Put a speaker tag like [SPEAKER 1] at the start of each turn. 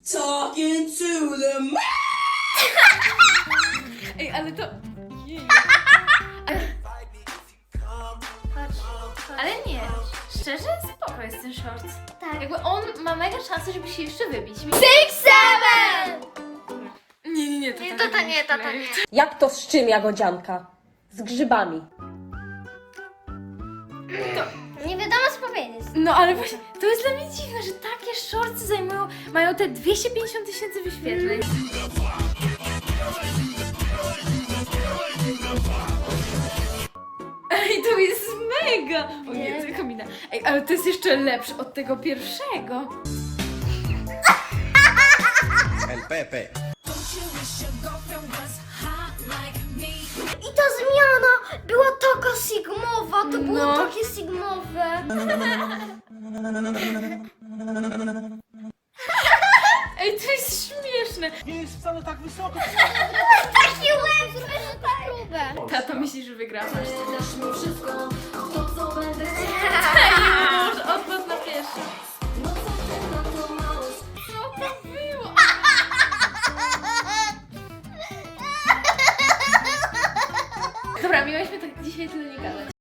[SPEAKER 1] Talking to the man.
[SPEAKER 2] Ej, ale to... Jej. Ale nie, szczerze spoko jest ten short.
[SPEAKER 3] Tak.
[SPEAKER 2] Jakby on ma mega szansę, żeby się jeszcze wybić.
[SPEAKER 3] 6, 7!
[SPEAKER 2] Nie,
[SPEAKER 3] Nie, to nie.
[SPEAKER 4] Jak to z czym, Jagodzianka? Z grzybami.
[SPEAKER 3] Nie wiadomo co powiedzieć.
[SPEAKER 2] No ale właśnie, to jest dla mnie dziwne, że takie shorty mają te 250 000 wyświetleń. Ej, to jest mega! O nie, to komina. Ej, ale to jest jeszcze lepsze od tego pierwszego.
[SPEAKER 5] El Pepe.
[SPEAKER 3] I ta zmiana była taka sigmowa, to było
[SPEAKER 2] No.
[SPEAKER 3] takie sigmowe.
[SPEAKER 2] Ej, to jest śmieszne.
[SPEAKER 5] Nie jest wcale tak wysoko.
[SPEAKER 3] Taki łeb, zresztą tak próbę.
[SPEAKER 2] Tato, myślisz, że wygrasz?
[SPEAKER 1] Dasz mi wszystko, to co będę chciał.
[SPEAKER 2] Ej, może odpadł na pierwszy.
[SPEAKER 1] No co ty na to mało?
[SPEAKER 2] Co to było? Dobra, miałyśmy tak dzisiaj tyle nie gadać.